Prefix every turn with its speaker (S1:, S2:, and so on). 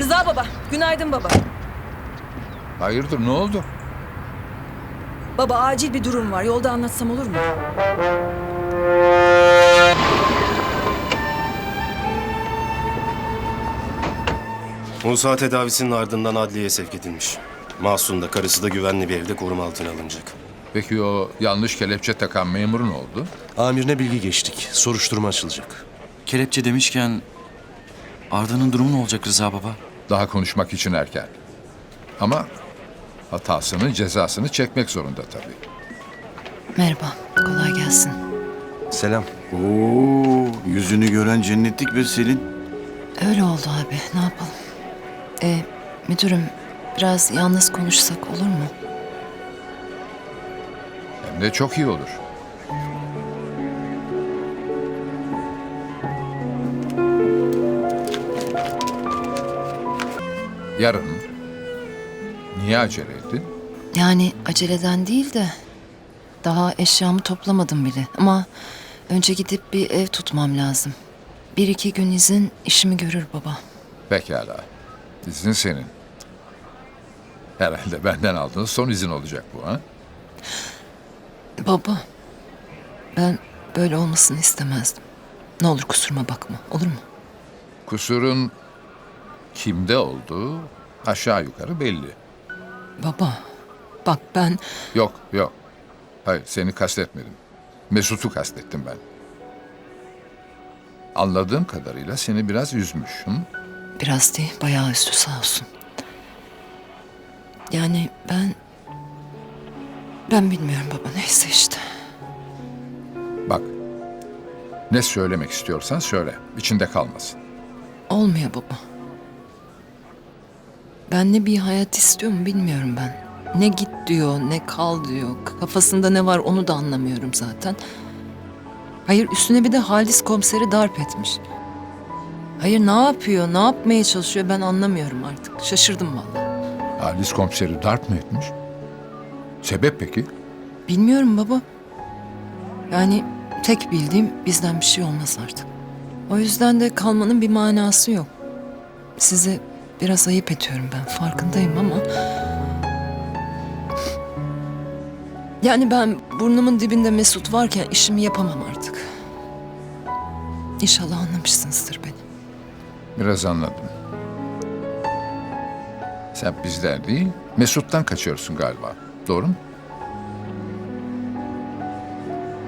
S1: Rıza baba, günaydın baba.
S2: Hayırdır, ne oldu?
S1: Baba acil bir durum var. Yolda anlatsam olur mu?
S3: Musa tedavisinin ardından adliyeye sevk edilmiş. Mahsun da karısı da güvenli bir evde koruma altına alınacak.
S2: Peki o yanlış kelepçe takan memurun oldu?
S3: Amirine bilgi geçtik. Soruşturma açılacak.
S4: Kelepçe demişken Arda'nın durumu ne olacak Rıza baba?
S2: Daha konuşmak için erken. Ama hatasını, cezasını çekmek zorunda tabii.
S5: Merhaba, kolay gelsin.
S3: Selam.
S6: Oo, yüzünü gören cennetlik bir Selin.
S5: Öyle oldu abi, ne yapalım? Müdürüm, biraz yalnız konuşsak olur mu?
S2: Hem de çok iyi olur. Yarın. Niye acele ettin?
S5: Yani aceleden değil de daha eşyamı toplamadım bile. Ama önce gidip bir ev tutmam lazım. 1-2 gün izin işimi görür baba.
S2: Pekala. İzin senin. Herhalde benden aldığın son izin olacak bu, ha?
S5: Baba, ben böyle olmasını istemezdim. Ne olur kusuruma bakma, olur mu?
S2: Kusurun kimde olduğu aşağı yukarı belli.
S5: Baba, bak ben...
S2: Yok, yok. Hayır, seni kastetmedim. Mesut'u kastettim ben. Anladığım kadarıyla seni biraz üzmüş. Hı?
S5: Biraz değil, bayağı üstü sağ olsun. Yani ben bilmiyorum baba, neyse işte.
S2: Bak, ne söylemek istiyorsan söyle, içinde kalmasın.
S5: Olmuyor baba. Ben ne bir hayat istiyorum bilmiyorum ben. Ne git diyor, ne kal diyor. Kafasında ne var onu da anlamıyorum zaten. Hayır, üstüne bir de Halis komiseri darp etmiş. Hayır, ne yapıyor, ne yapmaya çalışıyor ben anlamıyorum artık. Şaşırdım vallahi.
S2: Halis komiseri darp mı etmiş? Sebep peki?
S5: Bilmiyorum baba. Yani tek bildiğim bizden bir şey olmaz artık. O yüzden de kalmanın bir manası yok. Size biraz ayıp ediyorum ben, farkındayım ama... Yani ben burnumun dibinde Mesut varken işimi yapamam artık. İnşallah anlamışsınızdır beni.
S2: Biraz anladım. Sen bizden değil, Mesut'tan kaçıyorsun galiba. Doğru mu?